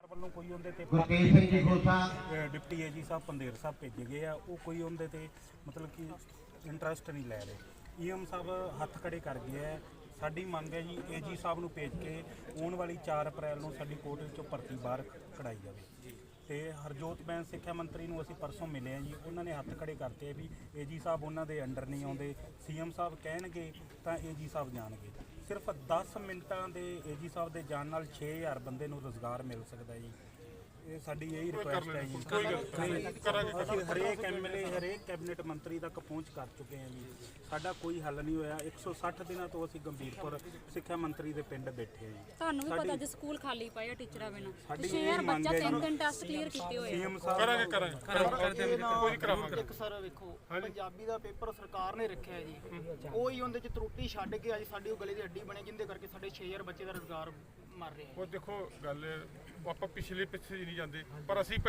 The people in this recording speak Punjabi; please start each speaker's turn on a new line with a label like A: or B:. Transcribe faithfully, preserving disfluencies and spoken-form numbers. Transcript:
A: ਵੱਲੋਂ ਕੋਈ ਉਹਦੇ ਤੇ
B: ਗੁਰਤੇਜ ਸਿੰਘ ਜੀ ਖੋਸਾ
A: ਡਿਪਟੀ ਏ ਜੀ ਸਾਹਿਬ ਪੰਦੇਰ ਸਾਹਿਬ ਭੇਜੇ ਗਏ ਆ, ਉਹ ਕੋਈ ਉਹਦੇ ਤੇ ਮਤਲਬ ਕਿ ਇੰਟਰਸਟ ਨਹੀਂ ਲੈ ਰਹੇ। ਈ ਐਮ ਸਾਹਿਬ ਹੱਥ ਖੜੇ ਕਰ ਗਏ ਆ। ਸਾਡੀ ਮੰਗ ਹੈ ਜੀ ਏ ਜੀ ਸਾਹਿਬ ਨੂੰ ਭੇਜ ਕੇ ਆਉਣ ਵਾਲੀ ਚਾਰ ਅਪ੍ਰੈਲ ਨੂੰ ਸਾਡੀ ਕੋਰਟ ਵਿੱਚੋਂ ਭਰਤੀ ਬਾਹਰ ਕਢਾਈ ਜਾਵੇ। ਤੇ ਹਰਜੋਤ ਬੈਂਸ ਸਿੱਖਿਆ ਮੰਤਰੀ ਨੂੰ ਅਸੀਂ ਪਰਸੋਂ ਮਿਲੇ ਆ ਜੀ, ਉਹਨਾਂ ਨੇ ਹੱਥ ਖੜੇ ਕਰਤੇ ਵੀ ਏ ਜੀ ਸਾਹਿਬ ਉਹਨਾਂ ਦੇ ਅੰਡਰ ਨਹੀਂ ਆਉਂਦੇ, ਸੀ ਐਮ ਸਾਹਿਬ ਕਹਿਣਗੇ ਤਾਂ ਏ ਜੀ ਸਾਹਿਬ ਜਾਣਗੇ। ਸਿਰਫ ਦਸ ਮਿੰਟਾਂ ਦੇ ਏ ਜੀ ਸਾਹਿਬ ਦੇ ਜਾਣ ਨਾਲ ਛੇ ਹਜ਼ਾਰ ਬੰਦੇ ਨੂੰ ਰੁਜ਼ਗਾਰ ਮਿਲ ਸਕਦਾ ਜੀ। ਇਹ ਸਾਡੀ ਇਹੀ ਰਿਕੁਐਸਟ ਹੈ ਜੀ। ਅਸੀਂ ਹਰੇਕ ਐਮ ਐਲ ਏ ਹਰੇਕ ਕੈਬਨਿਟ ਮੰਤਰੀ ਤੱਕ ਪਹੁੰਚ ਕਰ ਚੁੱਕੇ ਹਾਂ ਜੀ, ਸਾਡਾ ਕੋਈ ਹੱਲ ਨਹੀਂ ਹੋਇਆ। ਇੱਕ ਸੌ ਸੱਠ ਦਿਨਾਂ ਤੋਂ ਅਸੀਂ ਗੰਭੀਰਪੁਰ ਸਿੱਖਿਆ ਮੰਤਰੀ ਦੇ ਪਿੰਡ ਬੈਠੇ ਹਾਂ ਜੀ।
C: ਤੁਹਾਨੂੰ ਵੀ ਪਤਾ ਜੇ ਸਕੂਲ ਖਾਲੀ ਪਏ ਆ ਟੀਚਰਾਂ ਬਿਨਾਂ,
A: ਸਾਡੀ
C: ਛੇ ਹਜ਼ਾਰ ਬੱਚਾ ਤਿੰਨ ਤਿੰਨ ਟੈਸਟ ਕਲੀਅਰ ਕੀਤੇ ਹੋਏ ਆ।
A: ਸੀਐਮ ਸਾਹਿਬ
D: ਕਰਾਂਗੇ ਕਰਾਂਗੇ ਕੋਈ ਕਰਾਵਾਂਗੇ।
E: ਇੱਕ ਸਰ ਵੇਖੋ ਪੰਜਾਬੀ ਦਾ ਪੇਪਰ ਸਰਕਾਰ ਨੇ ਰੱਖਿਆ ਜੀ, ਉਹ ਹੀ ਉਹਦੇ ਚ ਤਰੁੱਟੀ ਛੱਡ ਕੇ ਅੱਜ ਸਾਡੀ ਉਹ ਗਲੇ ਦੀ ਹੱਡੀ ਬਣੇ, ਜਿੰਦੇ ਕਰਕੇ ਸਾਡੇ ਛੇ ਹਜ਼ਾਰ ਬੱਚੇ ਦਾ ਰੁਜ਼ਗਾਰ ਮਰ ਰਿਹਾ।
D: ਉਹ ਦੇਖੋ ਗੱਲ ਆਪਾਂ ਪਿਛਲੇ ਪਿੱਛੇ ਨਹੀਂ ਜਾਂਦੇ, ਪਰ ਅਸੀਂ